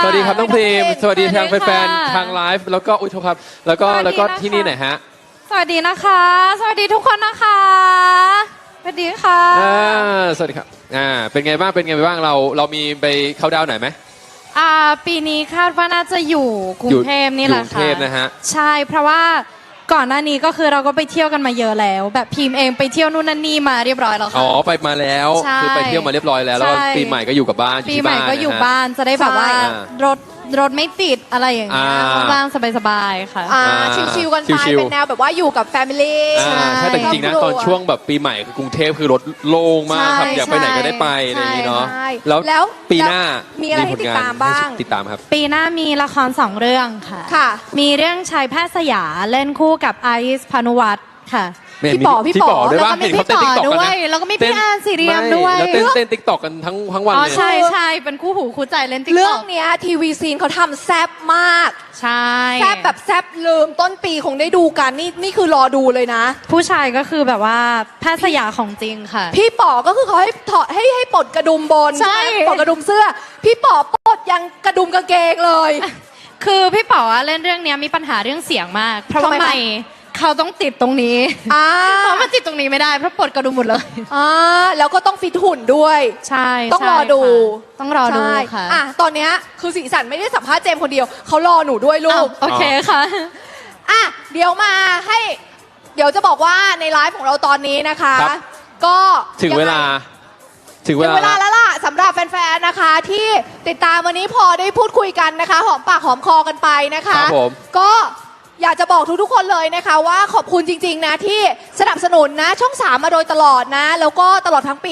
วัสดีครับน้องพรีมสวัสดีทางสวัสดีค่ะแฟนๆทางไลฟ์แล้วก็อุ้ยโทษครับแล้วก็ที่นี่ไหนฮะสวัสดีนะคะ สวัสดีทุกคนนะคะสวัสดีค่ะสวัสดีครับเป็นไงบ้างเรามีไปเข้าดาวน์ไหนไหมปีนี้คาดว่าน่าจะอยู่กรุงเทพนี่แหละอยู่กรุงค่ะเทพนะฮะใช่เพราะว่าก่อนหน้านี้ก็คือเราก็ไปเที่ยวกันมาเยอะแล้ว แบบพิมพ์เองไปเที่ยวนู่นนั่นนี่มาเรียบร้อยแล้วค่ะอ๋อไปมาแล้วใช่คือไปเที่ยวมาเรียบร้อยแล้วแล้วก็ใช่ปีใหม่ก็อยู่กับบ้านปีใหม่ก็อยู่บ้านจะได้แบบว่าใช่รถไม่ติดอะไรอย่างเงี้ยบ้างสบายๆค่ะชิวๆกันไปชิวๆเป็นแนวแบบว่าอยู่กับแฟมิลี่ใช่แต่จริงๆนะตอนช่วงแบบปีใหม่คือกรุงเทพคือรถโล่งมากครับใช่อยากไปไหนก็ได้ไปอะไรอย่างนี้เนาะใช่แล้วปีหน้ามีอะไรให้ติดตามบ้างติดตามครับปีหน้ามีละคร2 เรื่องค่ะค่ะมีเรื่องชายแพทย์สยามเล่นคู่กับไอซ์พานุวัฒน์ค่ะพี่ป๋อด้วยแล้วป่ะก็มีเห็นเขาพี่เต้นต่อติ๊กต็อกด้กันวยนะแล้วก็มีพี่แอนซีเรียมด้วยแล้วเต้นติ๊กต็อกกันทั้งวันอ๋อเลยใช่เป็นคู่หูคู่ใจเล่นติ๊กเรื่ต็ออง กเนี้ยทีวีซีนเขาทำแซบมากใช่แซบแบบแซบลืมต้นปีคงได้ดูกันนี่คือรอดูเลยนะผู้ชายก็คือแบบว่าแพทย์สยามของจริงค่ะพี่ป๋อก็คือเขาให้ถอดให้ปลดกระดุมบนใช่ปลดกระดุมเสื้อ พี่ป๋อปลดยังกระดุมกางเกงเลยคือพี่ป๋อเล่นเรื่องเนี้ยมีปัญหาเรื่องเสียงมาก เพราะว่าทำไมคะไม่เขาต้องติดตรงนี้ เขามาติดตรงนี้ไม่ได้เพราะปลดกระดุมหมดเลยแล้วก็ต้องฟิตหุ่นด้วยใช่ต้องรอดูค่ะต้องรอดูใช่ค่ะตอนเนี้ยคือสีสันไม่ได้สัมภาษณ์เจมส์คนเดียวเขารอหนูด้วยลูอ้าวกโอเคค่ะเดี๋ยวมาให้ เดี๋ยวจะบอกว่าในไลฟ์ของเราตอนนี้นะคะครับก็ถึงเวลาถึงเวลาแล้วล่ะสำหรับแฟนๆนะคะ ที่ติดตามวันนี้พอได้พูดคุยกันนะคะ หอมปากหอมคอกันไปนะคะครับผมก็อยากจะบอกทุกๆคนเลยนะคะว่าขอบคุณจริงๆนะที่สนับสนุนนะช่อง 3 มาโดยตลอดนะ แล้วก็ตลอดทั้งปี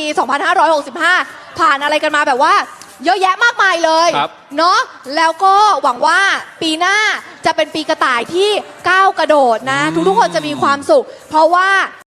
2565 ผ่านอะไรกันมาแบบว่า เยอะแยะมากมายเลยครับเนาะแล้วก็หวังว่าปีหน้าจะเป็นปีกระต่ายที่ก้าวกระโดดนะ ทุกๆคนจะมีความสุข เพราะว่า